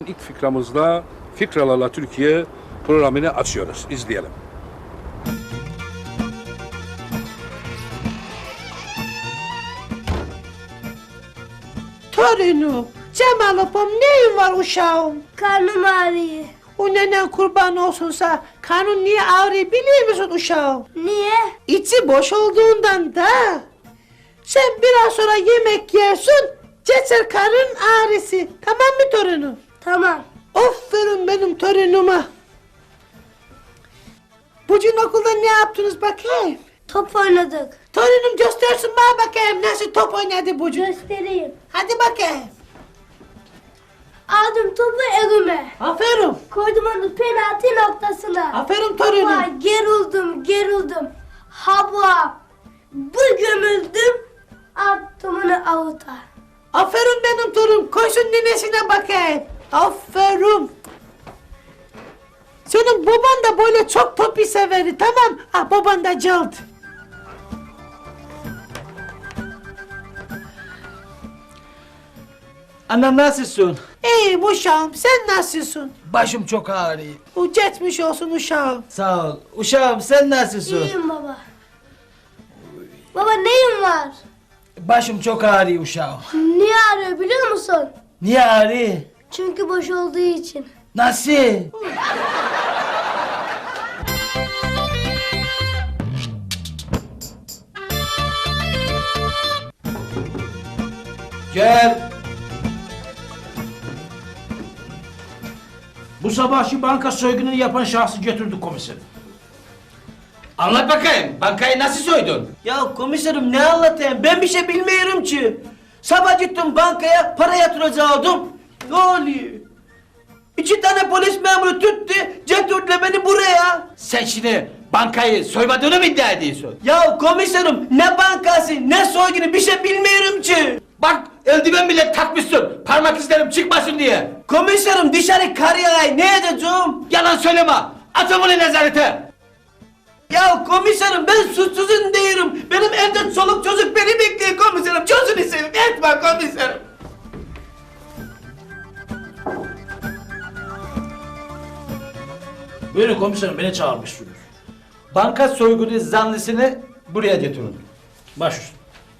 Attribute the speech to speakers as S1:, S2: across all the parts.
S1: İlk fikramızda Fikralarla Türkiye programını açıyoruz. İzleyelim.
S2: Torunum, Cemal'ım neyin var uşağım?
S3: Karnım ağrıyor.
S2: O nenen kurban olsunsa karnın niye ağrıyor biliyor musun uşağım?
S3: Niye?
S2: İçi boş olduğundan da. Sen biraz sonra yemek yersin, geçer karın ağrısı. Tamam mı torunum?
S3: Tamam.
S2: Aferin benim torunuma. Bugün okulda ne yaptınız bakayım?
S3: Top oynadık.
S2: Torunum göstersin bana bakayım nasıl top oynadı bugün.
S3: Göstereyim.
S2: Hadi bakayım.
S3: Aldım topu elime.
S2: Aferin.
S3: Koydum onu penaltı noktasına.
S2: Aferin torunum.
S3: Hava gerildim. Hava. Bu gömüldüm. Attım onu avuta.
S2: Aferin benim torunum. Koysun ninesine bakayım. Aferin. Senin baban da böyle çok topu severdi, tamam? Ah, baban da cıldı.
S4: Anam nasılsın?
S2: İyiyim uşağım, sen nasılsın?
S4: Başım çok ağrıyor.
S2: O geçmiş olsun uşağım.
S4: Sağ ol. Uşağım sen nasılsın?
S3: İyiyim baba. Baba neyin var?
S4: Başım çok ağrıyor uşağım.
S3: Niye ağrıyor biliyor musun?
S4: Niye ağrıyor?
S3: Çünkü boş olduğu için.
S4: Nasıl? Gel.
S5: Bu sabah şu banka soygununu yapan şahsı götürdük komiserim.
S4: Anlat bakayım. Bankayı nasıl soydun? Ya komiserim ne anlatayım? Ben bir şey bilmiyorum ki. Sabah gittim bankaya para yatıracaktım. Ne oluyor? 2 tane polis memuru tuttu, getirdiler beni buraya.
S5: Sen şimdi bankayı soymadığını mı iddia ediyorsun?
S4: Ya komiserim ne bankası ne soygunu bir şey bilmiyorum ki.
S5: Bak eldiven bile takmışsın, parmak izlerim çıkmasın diye.
S4: Komiserim dışarı kar yağay ne edeceğim?
S5: Yalan söyleme, atın bunu nezarete.
S4: Ya komiserim ben suçsuzum değilim. Benim evde çoluk çocuk beni bekliyor komiserim. Çözün seveyim etme komiserim.
S5: Buyurun komiserim, beni çağırmışsınız.
S4: Banka soygunu zanlısını buraya getirin.
S5: Baş üstüne.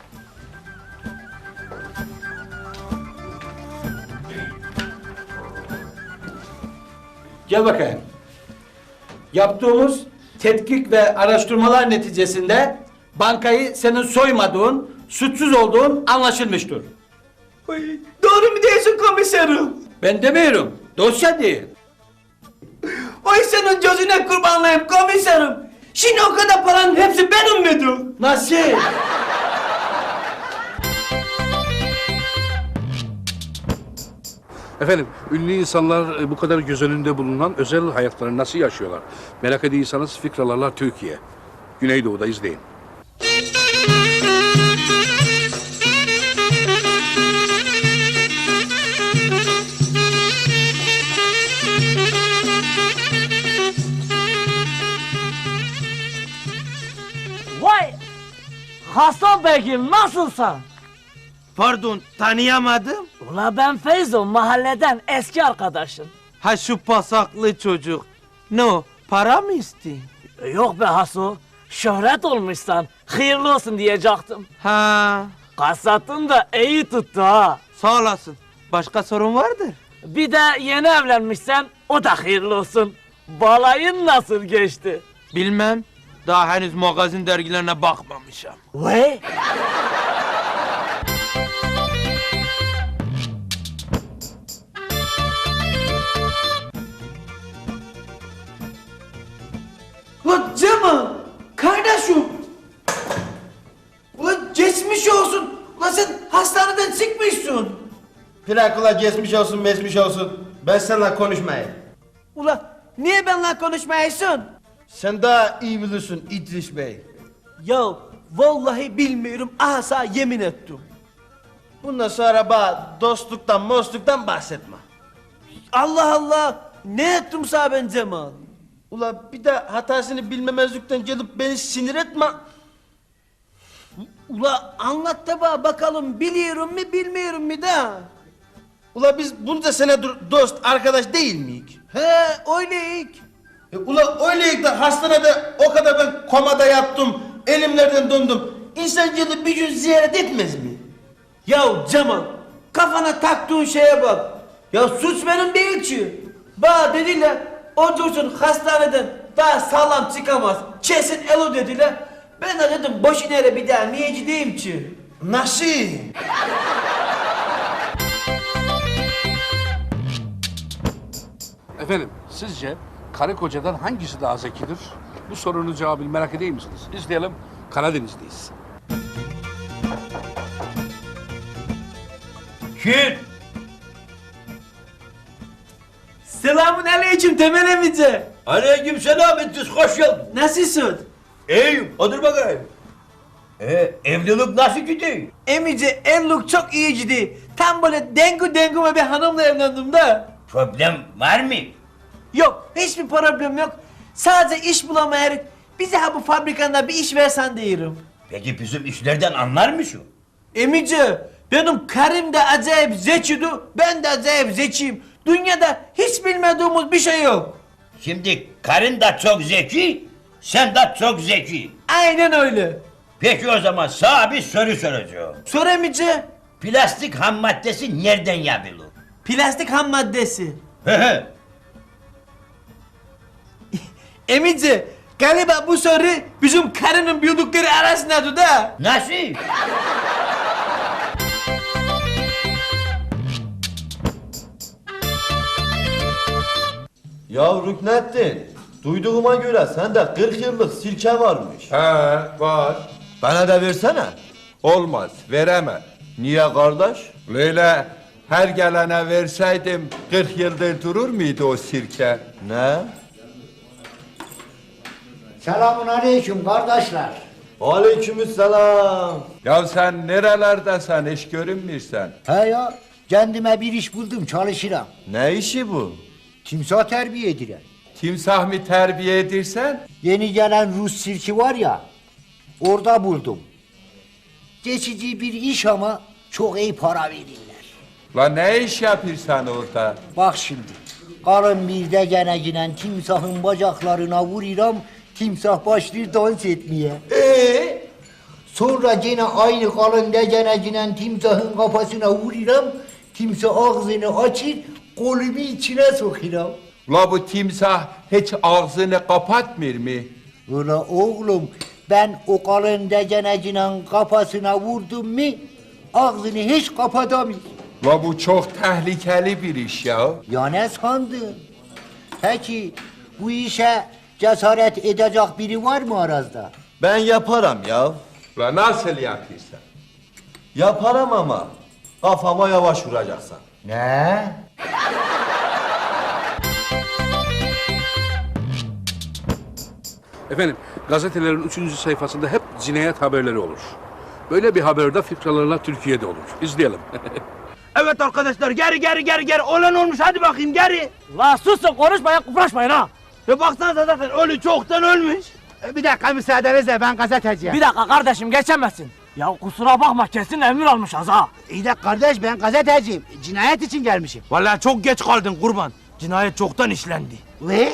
S4: Gel bakayım. Yaptığımız tetkik ve araştırmalar neticesinde bankayı senin soymadığın, suçsuz olduğun anlaşılmıştır. Doğru mu diyorsun komiserim?
S5: Ben demiyorum, dosya değil.
S4: Oy senin gözüne kurbanlayayım komiserim. Şimdi o kadar paranın hepsi benim miydi? Nasıl?
S1: Efendim, ünlü insanlar bu kadar göz önünde bulunan özel hayatlarını nasıl yaşıyorlar? Merak ediyorsanız Fikralarla Türkiye. Güneydoğu'da izleyin.
S6: Vay! Hasan Bey'im nasılsın?
S7: Pardon, tanıyamadım.
S6: Ula ben Feyzo, mahalleden eski arkadaşın.
S7: Ha şu pasaklı çocuk. Ne o, para mı istiyor?
S6: Yok be Haso, şöhret olmuşsan, hayırlı olsun diyecektim.
S7: Ha,
S6: Kasatın da iyi tuttu ha.
S7: sağ olasın. Başka sorun vardır?
S6: Bir de yeni evlenmişsen, o da hayırlı olsun. Balayın nasıl geçti?
S7: Bilmem. Daha henüz magazin dergilerine bakmamışım.
S6: Vay!
S4: Ulan Cemal, kardeşim. Ulan geçmiş olsun. Ulan sen hastaneden çıkmışsın.
S8: Bırak ula geçmiş olsun mesmiş olsun. Ben seninle konuşmayayım.
S4: Ulan niye benimle konuşmuyorsun?
S8: Sen daha iyi bilirsin İdris Bey.
S4: Ya vallahi bilmiyorum. Asa yemin ettim.
S8: Bundan sonra bana dostluktan mostluktan bahsetme.
S4: Allah Allah. Ne ettim sana ben Cemal?
S8: Ula bir de hatasını bilmemezlikten gelip beni sinir etme.
S4: Ula anlat da bana bakalım biliyorum mu bilmiyorum mu da.
S8: Ula biz bunca senedir dost, arkadaş değil miyik?
S4: He öyleyik.
S8: Ula öyleyik de hastanede o kadar ben komada yattım, elimlerden döndüm. İnsan gelip bir gün ziyaret etmez mi?
S4: Ya Cemal, kafana taktığın şeye bak. Ya suç benim değil ki. Bana dediler, o dursun hastaneden daha sağlam çıkamaz. Kesin elo dediler. Ben de dedim boş inere bir daha niye gideyim ki?
S8: Nasıl?
S1: Efendim, sizce karı kocadan hangisi daha zekidir? Bu sorunun cevabını merak edeyim misiniz? İzleyelim, Karadeniz'deyiz.
S5: Kim?
S4: Selamun aleyküm Temel emici.
S5: Aleyküm selam İdris, hoş geldin.
S4: Nasılsın?
S5: İyiyim, otur bakayım. Evlilik nasıl gidiyor?
S4: Emici evlilik çok iyi gidiyor. Tam böyle dengu bir hanımla evlendim de.
S5: Problem var mı?
S4: Yok hiçbir problem yok. Sadece iş bulamayarak bize ha bu fabrikanda bir iş versen diyorum.
S5: Peki bizim işlerden anlar mısın?
S4: Emici benim karım da acayip zekiydi. Ben de acayip zekiyim. Dünyada hiç bilmediğimiz bir şey yok.
S5: Şimdi karın da çok zeki, sen de çok zeki.
S4: Aynen öyle.
S5: Peki o zaman sana bir soru soracağım.
S4: Sor Emici.
S5: Plastik ham maddesi nereden yapılır?
S4: Plastik ham maddesi.
S5: Hı hı.
S4: Emici galiba bu soru bizim karının bildikleri arasındadır da.
S5: Nasıl?
S9: Ya Rüknettin, duyduğuma göre sende 40 yıllık sirke varmış.
S10: He var.
S9: Bana da versene.
S10: Olmaz veremem.
S9: Niye kardeş?
S10: Böyle her gelene verseydim 40 yıldır durur muydu o sirke?
S9: Ne?
S11: Selamun aleyküm kardeşler.
S9: Aleykümselam.
S10: Ya sen nerelerdesin hiç görünmürsen.
S11: He ya, kendime bir iş buldum, çalışırım.
S9: Ne işi bu?
S11: Timsah terbiye edilir.
S10: Timsah mı terbiye edirsen?
S11: Yeni gelen Rus sirki var ya, orada buldum. Geçici bir iş ama çok iyi para verirler.
S10: La ne iş yapırsan orada?
S11: Bak şimdi, karın bir de gene ginen timsahın bacaklarına vururam, timsah başlıyor dans etmeye. Sonra gene aynı kalın degene ginen timsahın kafasına vururam, timsah ağzını açır, kolumu içine sokuram.
S10: La bu timsah hiç ağzını kapatmır mı?
S11: Ula oğlum, ben o kalın degenecinin kafasına vurdum mu, ağzını hiç kapatamıyor.
S10: La bu çok tehlikeli bir iş ya.
S11: Ya ne sandın? Peki bu işe cesaret edecek biri var mı aranızda?
S9: Ben yaparım ya.
S10: La nasıl yapırsan?
S9: Yaparım ama kafama yavaş vuracaksın.
S11: Ne?
S1: Efendim, gazetelerin 3. sayfasında hep cinayet haberleri olur. Böyle bir haberde fikralarla Türkiye'de olur. İzleyelim.
S7: Evet arkadaşlar geri olan olmuş hadi bakayım geri.
S6: La susun konuşmayın kıpraşmayın ha.
S7: Ya baksanıza zaten ölü çoktan ölmüş.
S11: Bir dakika müsaadenizle ben gazeteciyim.
S6: Bir dakika kardeşim geçemezsin. Ya kusura bakma kesin emir almışız ha.
S11: İyi de kardeş ben gazeteciyim. Cinayet için gelmişim.
S7: Vallahi çok geç kaldın kurban. Cinayet çoktan işlendi.
S11: Ve?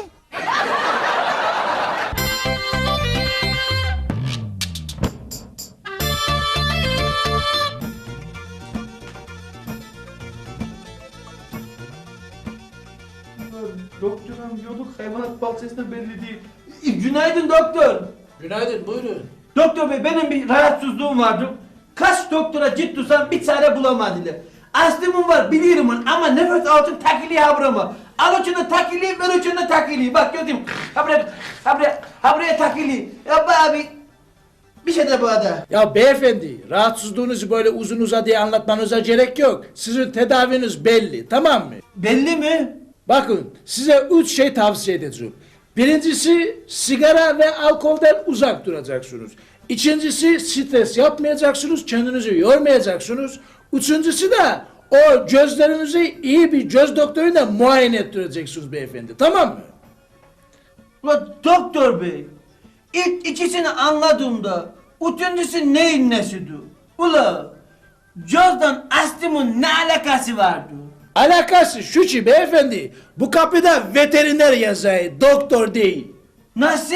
S8: Doktorum yoluk hayvanat bahçesinde belli değil.
S4: Günaydın doktor.
S8: Günaydın, buyurun.
S4: Doktor bey benim bir rahatsızlığım vardı. Kaç doktora gittiysem bir çare bulamadılar. Astımım var biliyorum ama nefes altın takiliği habrama. Al ucunda takiliği, ver ucunda takiliği. Bak gördüm. Habraya takiliği. Ya be abi. Bir şey de bu ada.
S8: Ya beyefendi, rahatsızlığınızı böyle uzun uzadıya anlatmanıza gerek yok. Sizin tedaviniz belli, tamam mı?
S4: Belli mi?
S8: Bakın, size 3 şey tavsiye edeceğim. Birincisi, sigara ve alkolden uzak duracaksınız. İkincisi, stres yapmayacaksınız, kendinizi yormayacaksınız. Üçüncüsü de, o gözlerinizi iyi bir göz doktoruyla muayene ettireceksiniz beyefendi, tamam mı?
S4: Ulan doktor bey. İlk ikisini anladığımda, üçüncüsü neyin nesidir? Ula, gözden astımın ne alakası vardı?
S8: Alakası şu ki beyefendi, bu kapıda veteriner yazıyor, doktor değil.
S4: Nasıl?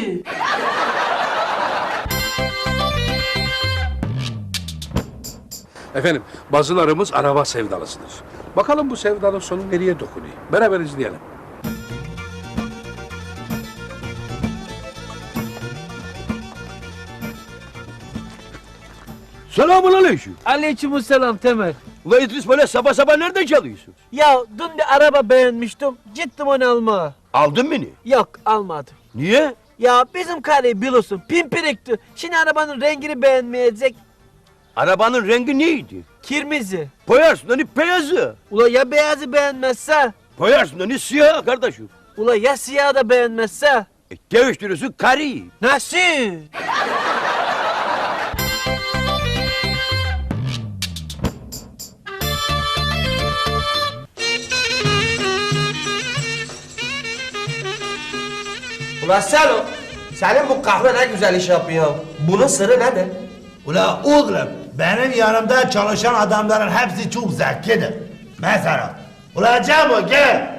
S1: Efendim, bazılarımız araba sevdalısıdır. Bakalım bu sevdanın sonu nereye dokunuyor? Beraber izleyelim.
S7: Selamun aleyküm.
S6: Aleykümselam Temel.
S7: Ulan İdris böyle sabah sabah nereden çalıyorsun?
S6: Ya dün bir araba beğenmiştim. Gittim onu almaya.
S7: Aldın beni.
S6: Yok almadım.
S7: Niye?
S6: Ya bizim karı biliyorsun pimpirikti. Şimdi arabanın rengini beğenmeyecek.
S7: Arabanın rengi neydi?
S6: Kırmızı.
S7: Boyarsın hani beyazı.
S6: Ula ya beyazı beğenmezse?
S7: Boyarsın hani siyah kardeşim.
S6: Ula ya siyah da beğenmezse?
S7: Değiştiriyorsun karıyı.
S6: Nasıl?
S4: Ulan Selo, senin bu kahve ne güzel iş yapıyor. Bunun sırrı nedir?
S12: Ula oğlum, benim yanımda çalışan adamların hepsi çok zekidir. Mesela, ula Cemo gel.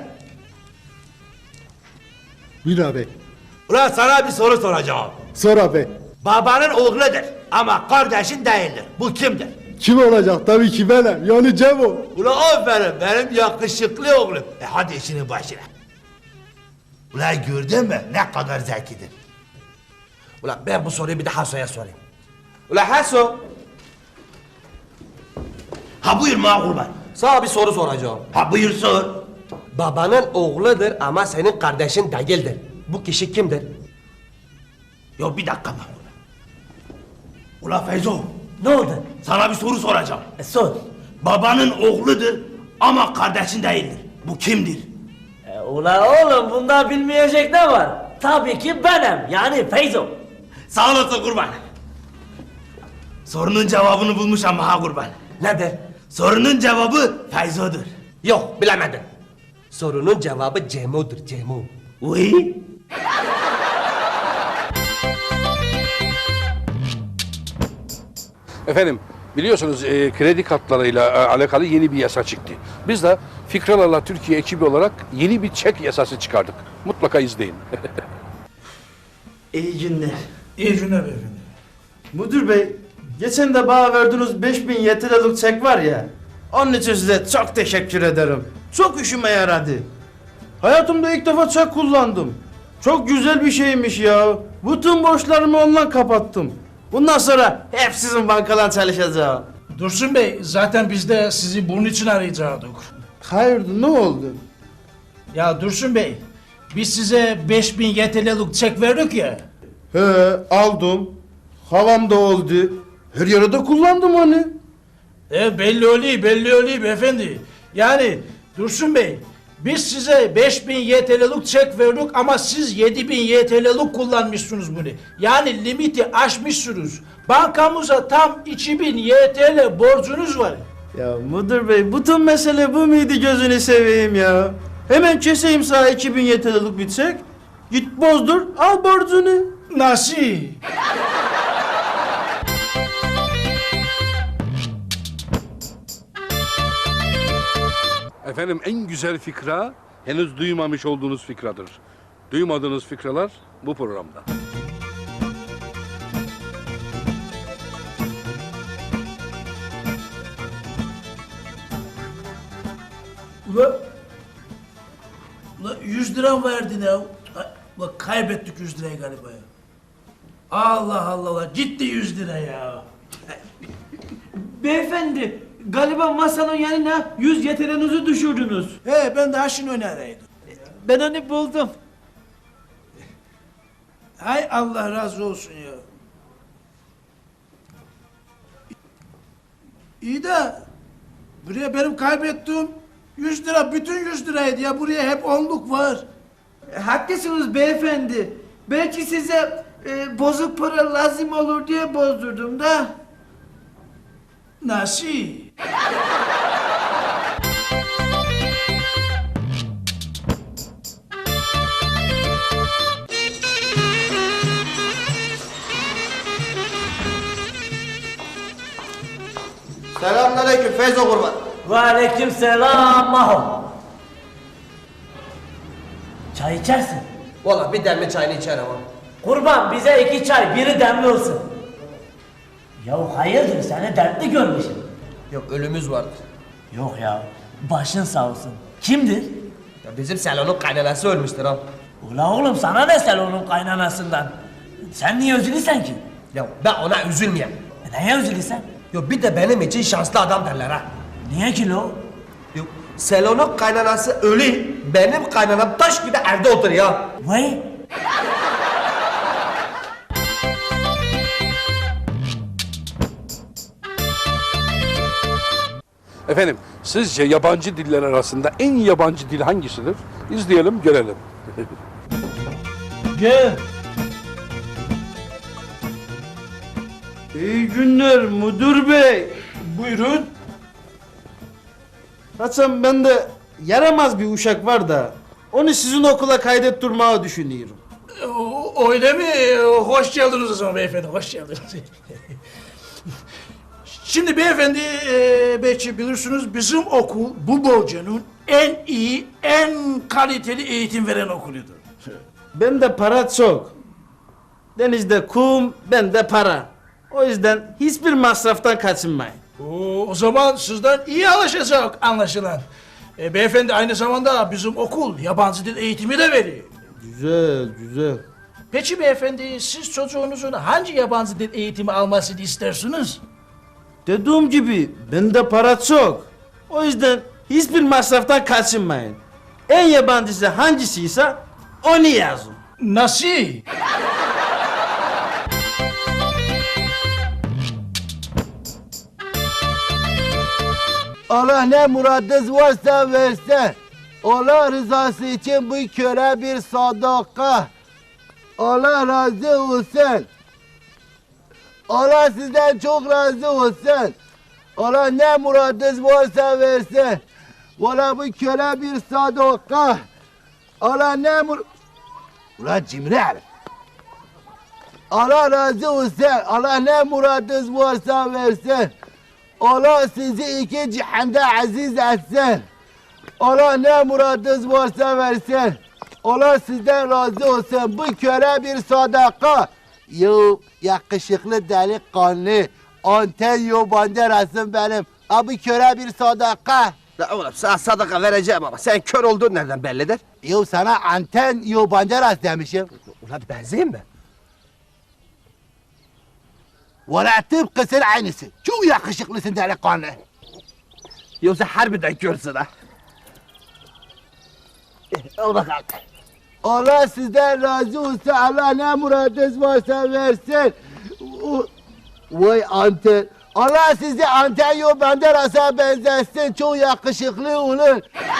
S13: Buyur abi.
S12: Ula sana bir soru soracağım.
S13: Sor abi.
S12: Babanın oğludur ama kardeşin değildir. Bu kimdir?
S13: Kim olacak? Tabii ki benim. Yani Cemo.
S12: Ula aferin benim yakışıklı oğlum. Hadi işinin başına. Ula gördün mü ne kadar zekidir.
S4: Ulan ben bu soruyu bir de Haso'ya sorayım. Ulan Haso,
S12: Ha buyur ma kurban.
S4: sana bir soru soracağım.
S12: Ha buyur sor.
S4: Babanın oğludur ama senin kardeşin değildir. Bu kişi kimdir?
S12: Yo bir dakika ma kurban. Ula Feyzo,
S4: Ne oldu?
S12: sana bir soru soracağım.
S4: Sor.
S12: Babanın oğludur ama kardeşin değildir. Bu kimdir?
S6: Ula oğlum bunda bilmeyecek ne var? Tabii ki benim yani Feyzo.
S12: Sağ olasın kurban. Sorunun cevabını bulmuş ama ha kurban.
S4: Nedir?
S12: Sorunun cevabı Feyzo'dur.
S4: Yok bilemedin. Sorunun cevabı Cemo'dur Cemo.
S12: Uy.
S1: Efendim, biliyorsunuz kredi kartlarıyla alakalı yeni bir yasa çıktı. Biz de Fikralarla Türkiye ekibi olarak yeni bir çek yasası çıkardık. Mutlaka izleyin.
S14: İyi günler.
S8: İyi günler beyefendi.
S14: Müdür bey, geçen de bana verdiğiniz 5000 YTL'lik çek var ya. Onun için size çok teşekkür ederim. Çok işime yaradı. Hayatımda ilk defa çek kullandım. Çok güzel bir şeymiş ya. Bütün borçlarımı ondan kapattım. Bundan sonra hep sizin bankadan çalışacağım.
S8: Dursun Bey, zaten biz de sizi bunun için arayacaktık.
S14: Hayırdır, ne oldu?
S8: Ya Dursun Bey, biz size 5000 YTL'lik çek verdik ya.
S14: He, aldım. Havam da oldu. Her yere de kullandım onu.
S8: Belli oluyor beyefendi. Yani Dursun Bey, biz size 5000 YTL'lik çek verdik ama siz 7000 YTL'lik kullanmışsınız bunu. Yani limiti aşmışsınız. Bankamıza tam 2000 YTL borcunuz var.
S14: Ya müdür bey, bütün mesele bu muydu, gözünü seveyim ya. Hemen keseyim sana 2000 YTL'lik bir çek. Git bozdur, al borcunu.
S8: Nasıl?
S1: Efendim, en güzel fikra henüz duymamış olduğunuz fikradır. Duymadığınız fikralar bu programda.
S8: Ula 100 lira verdin ya. Ula kaybettik 100 lirayı galiba ya. Allah Allah, gitti 100 lira ya.
S6: Beyefendi galiba masanın yanına 100 yeteneğinizi düşürdünüz.
S8: Ben daha şimdi onu araydım.
S6: Ben onu buldum.
S8: Hay Allah razı olsun ya. İyi de buraya benim kaybettiğim 100 lira, bütün 100 liraydı ya. Buraya hep onluk var.
S6: Haklısınız beyefendi. Belki size bozuk para lazım olur diye bozdurdum da.
S8: Nasıl?
S4: Selamünaleyküm Feyzo kurban. Ve aleyküm selam Maho. Çay içersin.
S6: Valla bir demli çayını içer ama.
S4: Kurban bize 2 çay, biri demli olsun. Ya hayırdır seni dertli görmüşüm.
S6: Yok ölümüz vardır.
S4: Yok ya, başın sağ olsun. Kimdir?
S6: Ya bizim salonun kaynanası ölmüştür ha.
S4: Ula oğlum sana ne salonun kaynanasından? Sen niye üzülürsen ki?
S6: Ya ben ona üzülmeyeyim.
S4: Neye üzülürsen?
S6: Yok bir de benim için şanslı adam derler ha.
S4: Niye ki lo?
S6: Yok salonun kaynanası ölü. Benim kaynanam taş gibi evde oturuyor.
S4: Vay.
S1: Efendim, sizce yabancı diller arasında en yabancı dil hangisidir? İzleyelim, görelim.
S4: Gel.
S14: İyi günler müdür bey.
S8: Buyurun.
S14: Hasan bende yaramaz bir uşak var da onu sizin okula kaydettirmeyi düşünüyorum.
S8: Öyle mi? Hoş geldiniz o zaman beyefendi, hoş geldiniz. Şimdi beyefendi, belki bilirsiniz bizim okul bu bölgenin en iyi, en kaliteli eğitim veren okuludur.
S14: Bende para çok. Denizde kum, bende para. O yüzden hiçbir masraftan kaçınmayın.
S8: O zaman sizden iyi anlaşacak anlaşılan. Beyefendi aynı zamanda bizim okul yabancı dil eğitimi de veriyor.
S14: Güzel, güzel.
S8: Peki beyefendi siz çocuğunuzun hangi yabancı dil eğitimi almasını istersiniz?
S14: Dediğim gibi bende para çok. O yüzden hiçbir masraftan kaçınmayın. En yabancısı hangisiyse onu yazın.
S8: Nasıl?
S15: Allah ne muradınız varsa versin. Allah rızası için bu köre bir sadaka. Allah razı olsun. Allah sizden çok razı olsun. Allah ne muradınız varsa versin. Valla bu köre bir sadaka. Allah ne Ulan cimri herif. Allah razı olsun. Allah ne muradınız varsa versin. Allah sizi iki cihanda aziz etsin. Allah ne muradınız varsa versin. Allah sizden razı olsun. Bu köre bir sadaka. Yo yakışıklı delikanlı. Antonio Banderas'ın benim. Ha bu köre bir sadaka.
S6: La oğlum sana sadaka vereceğim ama sen kör olduğun nereden bellidir?
S15: Yo sana Antonio Banderas demişim.
S6: Ulan benzeyim mi?
S15: Valla tıpkısın aynısı. Çok yakışıklısın delikanlı.
S6: Yoksa harbiden körsün ha.
S15: Al bakalım. Allah sizden razı olsun. Allah ne muradınız varsa versin. Vay Anten. Allah sizi Antonio Banderas'a benzetsin. Çok yakışıklı olur.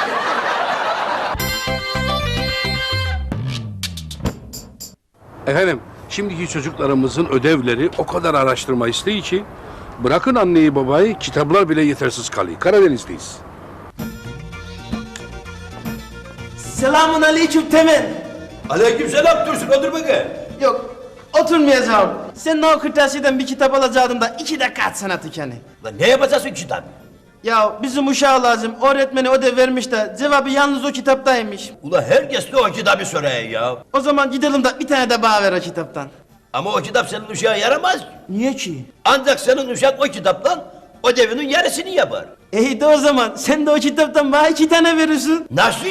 S1: Efendim, şimdiki çocuklarımızın ödevleri o kadar araştırma isteği ki bırakın anneyi babayı, kitaplar bile yetersiz kalıyor. Karadeniz'deyiz.
S14: Selamun aleyküm Temel.
S5: Aleyküm selam Dursun, otur bakayım.
S14: Yok, oturmayacağım. Senin o kırtasiyeden bir kitap alacaktım da 2 dakika atsana tükeni.
S5: Lan ne yapacaksın kitap?
S14: Ya bizim uşağı lazım. Öğretmeni ödev vermiş de cevabı yalnız o kitaptaymış.
S5: Ula herkes de o kitabı soruyor ya.
S14: O zaman gidelim de bir tane de bana ver o kitaptan.
S5: Ama o kitap senin uşağa yaramaz.
S14: Niye ki?
S5: Ancak senin uşak o kitaptan ödevinin yarısını yapar.
S14: İyi de o zaman sen de o kitaptan bana 2 tane verirsin.
S5: Nasıl?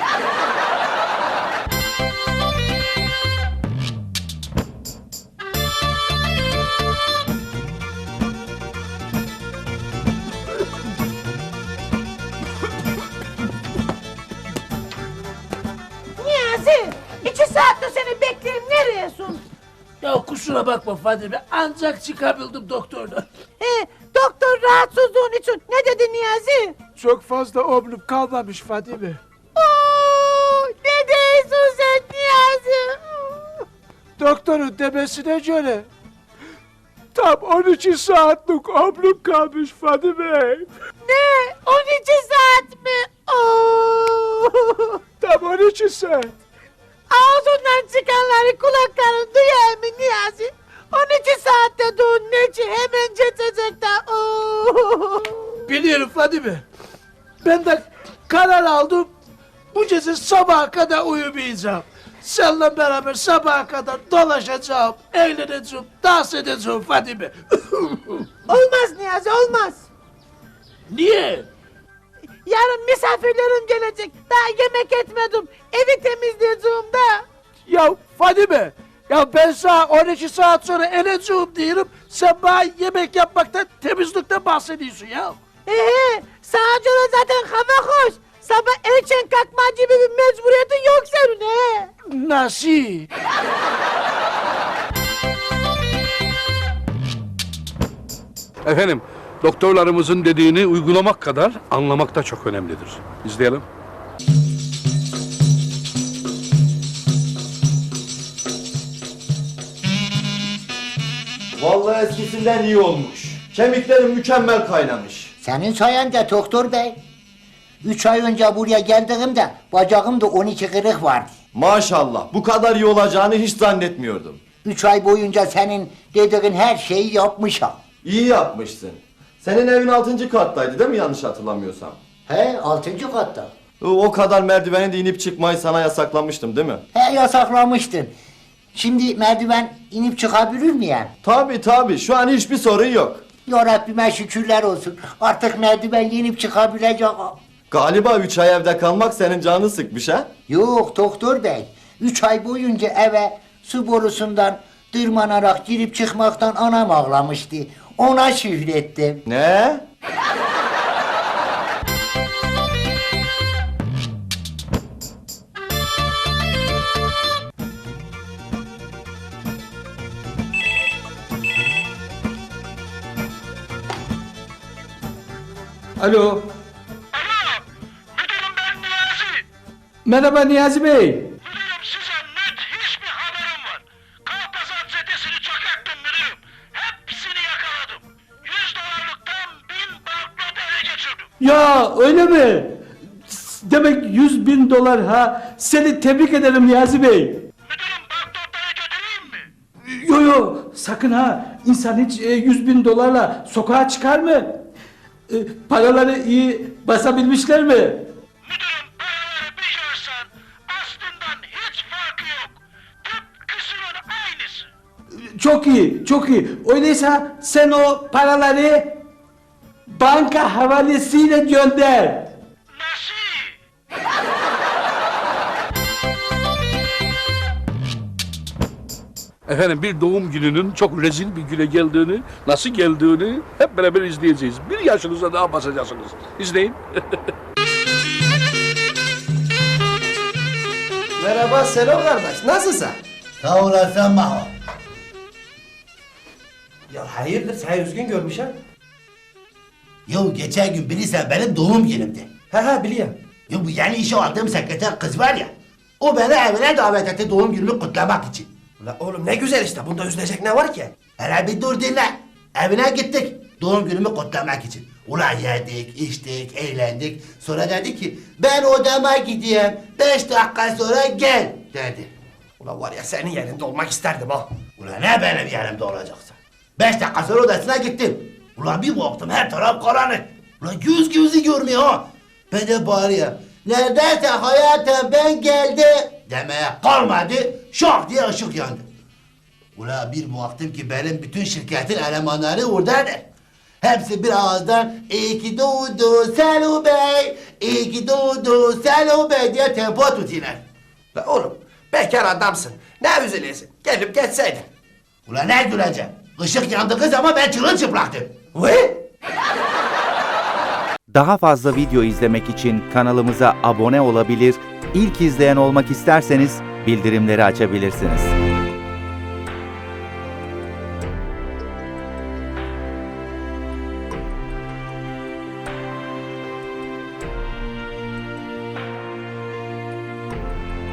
S2: Niyazi 2 saattir seni bekleyeyim nereyesin?
S8: Ya kusura bakma Fadime, ancak çıkabildim doktordan.
S2: Doktor rahatsızlığın için ne dedi Niyazi?
S8: Çok fazla omlum kalmamış Fadime.
S2: Oo, ne diyorsun sen Niyazi?
S8: Doktorun demesine göre tam 12 saatlik omlum kalmış Fadime.
S2: Ne? 12 saat mi? Oo.
S8: Tam 12 saat.
S2: Ağzından çıkanları kulakların duyar mı Niyazi? 12 saatte dur ne ki hemen geçecek de. Oo.
S8: Biliyorum Fadime. Ben de karar aldım. Bu gece sabaha kadar uyumayacağım. Seninle beraber sabaha kadar dolaşacağım, eğleneceğim, dans edeceğim Fadime.
S2: Olmaz Niyazi olmaz.
S8: Niye?
S2: Yarın misafirlerim gelecek. Daha yemek etmedim. Evi temizleyeceğim da.
S8: Ya Fadime, ya ben sana 12 saat sonra eleceğim diyorum. Sen bana yemek yapmaktan, temizlikten bahsediyorsun ya.
S2: Sana göre zaten hava hoş. Sabah erken kalkma gibi bir mecburiyetin yok senin he.
S8: Nasıl?
S1: Efendim, doktorlarımızın dediğini uygulamak kadar anlamak da çok önemlidir. İzleyelim.
S9: Vallahi eskisinden iyi olmuş. Kemiklerim mükemmel kaynamış.
S11: Senin sayende doktor bey. 3 ay önce buraya geldiğimde bacağımda 12 kırık vardı.
S9: Maşallah bu kadar iyi olacağını hiç zannetmiyordum.
S11: 3 ay boyunca senin dediğin her şeyi yapmışım.
S9: İyi yapmışsın. Senin evin 6. kattaydı değil mi yanlış hatırlamıyorsam?
S11: He 6. katta.
S9: O kadar merdiveni de inip çıkmayı sana yasaklamıştım değil mi?
S11: He yasaklamıştın. Şimdi merdiven inip çıkabilir miyim?
S9: Tabii şu an hiçbir sorun yok.
S11: Ya Rabbime şükürler olsun. Artık merdiven inip çıkabileceğim.
S9: Galiba 3 ay evde kalmak senin canını sıkmış ha?
S11: Yok doktor bey. 3 ay boyunca eve su borusundan tırmanarak girip çıkmaktan anam ağlamıştı. Ona şükrettim.
S9: Ne?
S8: Alo. Merhaba Niyazi Bey.
S7: Müdürüm size müthiş bir haberim var. Kalpazan çetesini çökerttim müdürüm. Hepsini yakaladım. $100'lıktan 1000 banknot ele geçirdim.
S8: Ya öyle mi? Demek 100.000 dolar ha. Seni tebrik ederim Niyazi Bey.
S7: Müdürüm banknotları götüreyim mi?
S8: Yo sakın ha. İnsan hiç 100.000 dolarla sokağa çıkar mı? Paraları iyi basabilmişler mi?
S7: Müdürüm paraları bir görsen aslından hiç farkı yok. Tıpkısının aynısı.
S8: Çok iyi, çok iyi. Öyleyse sen o paraları banka havalesiyle gönder.
S1: Efendim bir doğum gününün çok rezil bir güne geldiğini, nasıl geldiğini hep beraber izleyeceğiz. 1 yaşınıza daha basacaksınız. İzleyin.
S4: Merhaba Selo kardeş, nasılsın?
S12: Sağ olasın Maho.
S4: Ya hayırdır, sen üzgün görmüş ha?
S12: Yo geçen gün bilirsen benim doğum günümdü.
S4: He biliyorum.
S12: Yo bu yeni işe aldığım sekreter kız var ya. O beni evine davet etti doğum günümü kutlamak için.
S4: Ulan oğlum ne güzel işte, bunda üzülecek ne var ki?
S12: Hele bir dur dinle. Evine gittik doğum günümü kutlamak için. Ulan yedik, içtik, eğlendik. Sonra dedi ki ben odama gideyim. 5 dakika sonra gel dedi.
S4: Ulan var ya senin yerinde olmak isterdim ha.
S12: Ulan ne benim yerimde olacaksın? 5 dakika sonra odasına gittim. Ulan bir baktım her taraf karanlık. Ulan gözü görmüyor ha. Ben de bağırıyorum. Neredeyse hayatım ben geldim demeye kalmadı. Şok diye ışık yandı. Ulan bir baktım ki benim bütün şirketin elemanları oradadır. Hepsi bir ağızdan iyi ki doğdu Selo Bey, iyi ki doğdu Selo Bey diye tempo tutuyorlar.
S4: Ulan oğlum bekar adamsın. Ne üzülüyorsun? Gelip geçseydin.
S12: Ulan ne güleceğim? Işık yandığı zaman ben çırılçıplaktım.
S4: Ve?
S16: Daha fazla video izlemek için kanalımıza abone olabilir, ilk izleyen olmak isterseniz bildirimleri açabilirsiniz.